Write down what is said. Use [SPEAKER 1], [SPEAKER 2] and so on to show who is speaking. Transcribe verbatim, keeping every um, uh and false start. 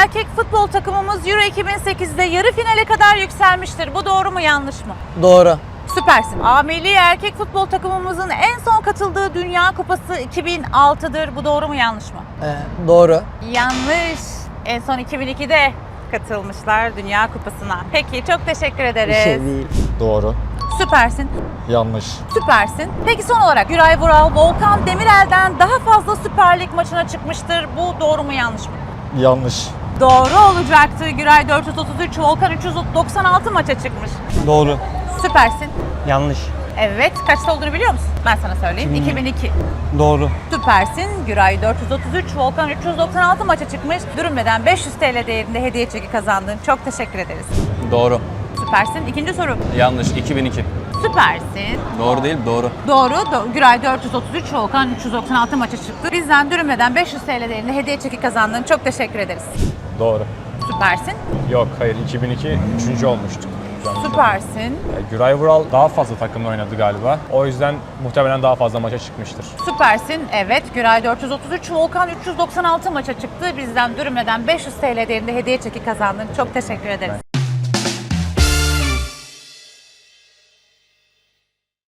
[SPEAKER 1] erkek futbol takımımız Euro iki bin sekizde yarı finale kadar yükselmiştir. Bu doğru mu yanlış mı?
[SPEAKER 2] Doğru.
[SPEAKER 1] Süpersin. A milli erkek futbol takımımızın en son katıldığı Dünya Kupası iki bin altıdır. Bu doğru mu yanlış mı?
[SPEAKER 2] Ee, doğru.
[SPEAKER 1] Yanlış. En son iki bin ikide katılmışlar Dünya Kupası'na. Peki çok teşekkür ederiz.
[SPEAKER 2] Bir şey değil.
[SPEAKER 3] Doğru.
[SPEAKER 1] Süpersin.
[SPEAKER 3] Yanlış.
[SPEAKER 1] Süpersin. Peki son olarak Güray Vural, Volkan Demirel'den daha fazla Süper Lig maçına çıkmıştır. Bu doğru mu yanlış mı?
[SPEAKER 3] Yanlış.
[SPEAKER 1] Doğru olacaktı. Güray dört yüz otuz üç, Volkan üç yüz doksan altı maça çıkmış.
[SPEAKER 2] Doğru.
[SPEAKER 1] Süpersin.
[SPEAKER 2] Yanlış.
[SPEAKER 1] Evet. Kaçta olduğunu biliyor musun? Ben sana söyleyeyim. iki bin iki.
[SPEAKER 2] Doğru.
[SPEAKER 1] Süpersin. Güray dört yüz otuz üç, Volkan üç yüz doksan altı maça çıkmış. Dürünmeden beş yüz TL değerinde hediye çeki kazandın. Çok teşekkür ederiz.
[SPEAKER 4] Doğru.
[SPEAKER 1] Süpersin. İkinci soru.
[SPEAKER 4] Yanlış. iki bin iki.
[SPEAKER 1] Süpersin.
[SPEAKER 4] Doğru değil, doğru.
[SPEAKER 1] Doğru. Do- Güray dört yüz otuz üç, Volkan üç yüz doksan altı maça çıktı. Bizden dürünmeden beş yüz TL değerinde hediye çeki kazandın. Çok teşekkür ederiz.
[SPEAKER 3] Doğru.
[SPEAKER 1] Süpersin.
[SPEAKER 3] Yok, hayır. iki bin iki üçüncü olmuştuk.
[SPEAKER 1] Süpersin.
[SPEAKER 3] Güray Vural daha fazla takımla oynadı galiba. O yüzden muhtemelen daha fazla maça çıkmıştır.
[SPEAKER 1] Süpersin. Evet. Güray dört yüz otuz üç, Volkan üç yüz doksan altı maça çıktı. Bizden dürünmeden beş yüz TL değerinde hediye çeki kazandın. Çok teşekkür ederiz.